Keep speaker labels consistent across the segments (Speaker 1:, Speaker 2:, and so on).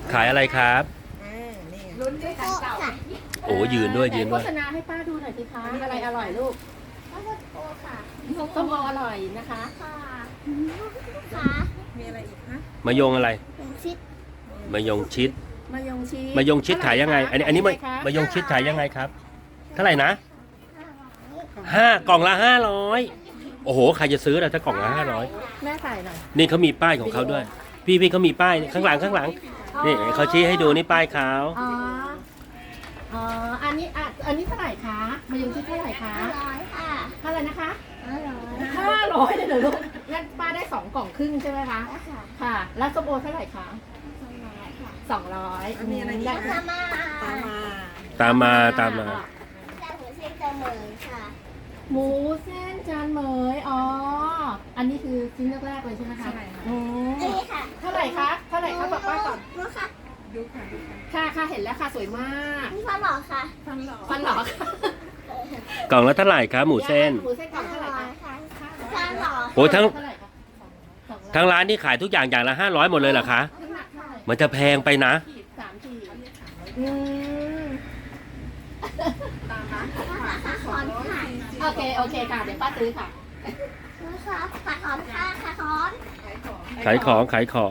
Speaker 1: ขายอะไรครับ
Speaker 2: นี่
Speaker 3: ลุ้นด้วยกันเก่า
Speaker 1: โอ้ยืนด้วยยืน
Speaker 3: โฆ
Speaker 1: ด้วย
Speaker 3: ษณาให้ป้าดูหน่อยสิคะอะไรอร่อยลูก
Speaker 4: ข้าวโพดค่ะ
Speaker 3: ส้มโออร่อยนะคะ
Speaker 4: ค่ะค่ะ
Speaker 2: มีอะไรอีกคะ
Speaker 1: มายงอะไร
Speaker 4: เป็นชิด
Speaker 1: มายงชิด
Speaker 3: มายงชีส
Speaker 1: มายงชิดขายยังไง อันนี้มายงชิดขายยังไงครับ เท่าไหร่นะกล่องละ500โอ้โหใครจะซื้อล่ะถ้ากล่องละ500
Speaker 3: แม่ใส่หน่อย
Speaker 1: นี่เขามีป้ายของเขาด้วย พี่เขามีป้ายข้างหลังนี่เขาชี้ให้ดูนี่ป้ายเขา
Speaker 3: อ๋ออ๋ออันนี้เท่าไหร่คะมายงชีสเท่าไหร่คะ
Speaker 4: 500ค่ะ
Speaker 3: เท่าไหร่นะคะ
Speaker 4: 500
Speaker 3: 500เลยเหรอลูกงั้นป้าได้2กล่องครึ่งใช่ไหมคะ
Speaker 4: ค่ะ
Speaker 3: ค่ะ แล้วส้มโอเท่าไหร่คะ
Speaker 4: 200ค่ะ
Speaker 3: 200
Speaker 2: มีอะไรอีก
Speaker 3: ได้
Speaker 2: คะ
Speaker 4: ตามมา
Speaker 1: ตามมา
Speaker 4: แต่หัวเส้นจะเหมือนค่ะ
Speaker 3: หมูเส้นจานเหมยอ๋ออันนี้คือชิ้นแรกๆเลยใช่ไหมคะ
Speaker 2: ใช่ค่ะ
Speaker 3: อืม
Speaker 4: นี่ค่ะ
Speaker 3: เท่าไหร่คะเท่าไหร่คะบอกป้าก่อน
Speaker 4: รู้ค่ะ
Speaker 2: ดูค่ะดูค่ะ
Speaker 3: ค่ะเห็นแล้วค่ะสวยมาก
Speaker 4: นี่ฟันหล่อค่ะ
Speaker 2: ฟันหล่อ
Speaker 3: ฟันหรอคะ
Speaker 1: กล่องละเท่าไหร่ครับหมูเส้น
Speaker 3: หมูเส้นกล่องเท่าไหร่คะ
Speaker 4: ค่ะฟันหล่อ
Speaker 1: โอ้ทั้ง
Speaker 3: เท่าไหร่คะ200
Speaker 1: ทั้งร้านนี่ขายทุกอย่างอย่างละ500หมดเลยเหรอคะ
Speaker 3: น้ำหนักเท่าไหร่
Speaker 1: มันจะแพงไปนะ
Speaker 3: 3 ขีดอืม
Speaker 4: ขาคอนค่ะ
Speaker 3: โอเคค่ะเดี๋ยวป้าซื้อค่ะ
Speaker 4: รู้ค่ะขาคอนค่ะขาคอน
Speaker 1: ขายของ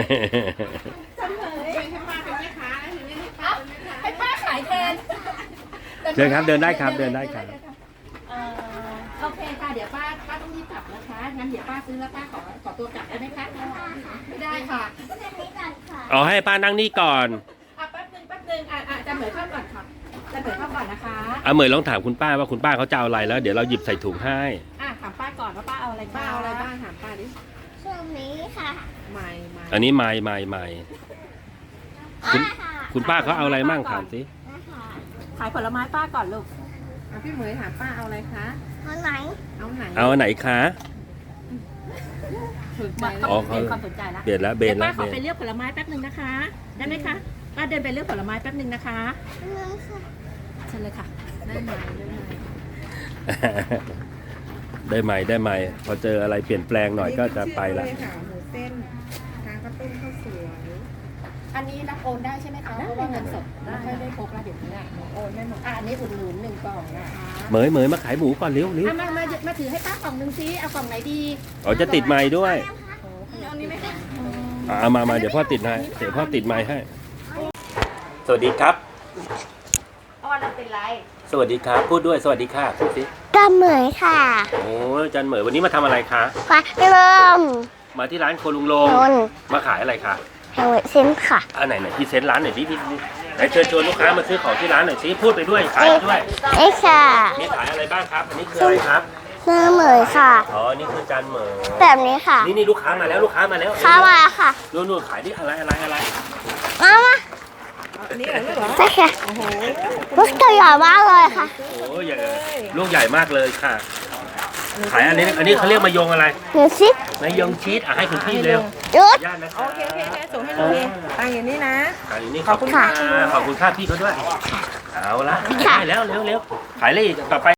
Speaker 3: ให้ป้าขายแทน
Speaker 1: เชิญครับเดินได้ครับเดินได้ครับ
Speaker 3: โอเคค่ะเดี๋ยวป้าต้องรีบกลับนะคะงั้นเดี๋ยวป้าซื้อแล้วป้าขอตัวกลับได้ไหมคะไม่ได้ค่ะ
Speaker 4: เส้นนี้ก่อนค่ะ
Speaker 1: เอาให้ป้านั่งนี่ก่อน
Speaker 3: แป๊บนึงจะเหมยเข้าก่อนค่ะจะเหมยเข้าก่อนนะคะ
Speaker 1: เอาเหมยลองถามคุณป้าว่าคุณป้าเขาจะเอาอะไรแล้วเดี๋ยวเราหยิบใส่ถุงให้
Speaker 3: ถามป้าก่อนว่าป้าเอาอะไร
Speaker 2: ป้าเอาอะไรบ้างถามป้าดิ
Speaker 4: ช่วงนี้ค่ะ
Speaker 2: ใหม่
Speaker 1: อันนี้ไม่ คุณ
Speaker 4: ค่ะ
Speaker 1: คุณป้าเขาเอาอะไรมั่งถามสิ
Speaker 4: นะคะ
Speaker 3: ขายผลไม้ป้าก่อนลูก
Speaker 2: พี่เหมยถามป้าเอาอะไรคะ
Speaker 4: คนไหน
Speaker 2: เอาไหน
Speaker 1: เอาอันไหนคะ
Speaker 2: สนใจ
Speaker 1: อ๋อ
Speaker 3: เปลี่ยนความสนใจแล้ว
Speaker 1: เบนแล้วเบ
Speaker 3: เดี๋ย
Speaker 1: น
Speaker 3: ว
Speaker 1: แล้
Speaker 3: ป้าว ขอไปเลือกผลไม้แป๊บนึงนะคะ ได้ไหมคะป้าเดินไปเลือกผลไม้แป๊บนึงนะคะ
Speaker 4: นึงค่ะ
Speaker 3: เชิญเลยค่ะ
Speaker 2: ได้ไหมได้ไหม
Speaker 1: ได้ไหมพอเจออะไรเปลี่ยนแปลงหน่อยก็จะไปละ
Speaker 2: นี่คือชื่อเลยค่ะหมูเส้นทางกระตุ้นข้าวสวย
Speaker 3: อันนี้รับโอนได้ใช่ไหมคะเพราะว่าเงินสดไม่ค่อยได้พกแล้วเดี๋ยวนี้อะโอนได้หมดอันนี้อุดหนุน1 กล่องนะคะ
Speaker 1: เหมยมาขายหมูก่อนเร็ว
Speaker 3: มาถือให้ป้ากล่องนึงซิเอากล่องไหนดี
Speaker 1: อ๋อจะติดไม้ด้วย
Speaker 3: เอานี้ไหมคะ
Speaker 1: เอามาเดี๋ยวพ่อติดให้เดี๋ยวพ่อติดไม้ให้ สวัสดีครับ
Speaker 3: อ้อนเราเป็นไร
Speaker 1: สวัสดีครับ พูดด้วยสวัสดีค่ะพูดสิ
Speaker 4: ตาเหมยค่ะ
Speaker 1: โอ้จันเหมยวันนี้มาทำอะไรคะ
Speaker 4: ฟ้าเริ่ม
Speaker 1: มาที่ร้านโคลุงโลง
Speaker 4: นน
Speaker 1: มาขายอะไรคะ
Speaker 4: แห่งเวทเส้นค่ะ
Speaker 1: อันไหนพรีเซนต์ร้านหน่อยพี่ไหนเชิญชวนลูกค้ามาซื้อของที่ร้านหน่อยสิพูดไปด้วยขายไปด้วย
Speaker 4: เอ้ค่ะ
Speaker 1: มีขายอะไรบ้างครับ อันนี้คืออะไรครับ
Speaker 4: เนื้อเหมยค่ะ
Speaker 1: อ๋อนี่คือจันเหมย
Speaker 4: แบบนี้ค่ะ
Speaker 1: นี่ลูกค้ามาแล้ว
Speaker 4: ข้าวมาค่ะ
Speaker 1: นู่นขายที่อะไร
Speaker 4: มามา
Speaker 2: อันนี้เหรอลูกเหรอ
Speaker 4: ใช่ค่ะ
Speaker 2: โอ้โห
Speaker 4: ลูกตัวใหญ่มากเลยค่ะ
Speaker 1: โอ้ใหญ่ลูกใหญ่มากเลยค่ะ ขายอันนี้เขาเรียกมายงอะไร
Speaker 4: หนูชิด
Speaker 1: มายงชีสให้คุณพี่เร็ว
Speaker 4: ยุด
Speaker 1: ญาตินะค
Speaker 2: โอ
Speaker 1: รับ
Speaker 2: เคส่งให้ลุงเองตังอย่างนี้นะ
Speaker 1: ขายอยู่นี่
Speaker 2: ขอบคุณค่ะ
Speaker 1: ขอบคุณค่าพี่เขาด้วย เอาละ
Speaker 4: ค่ะ
Speaker 1: ได้แล้วเร็วขายเลยอีกต่อไป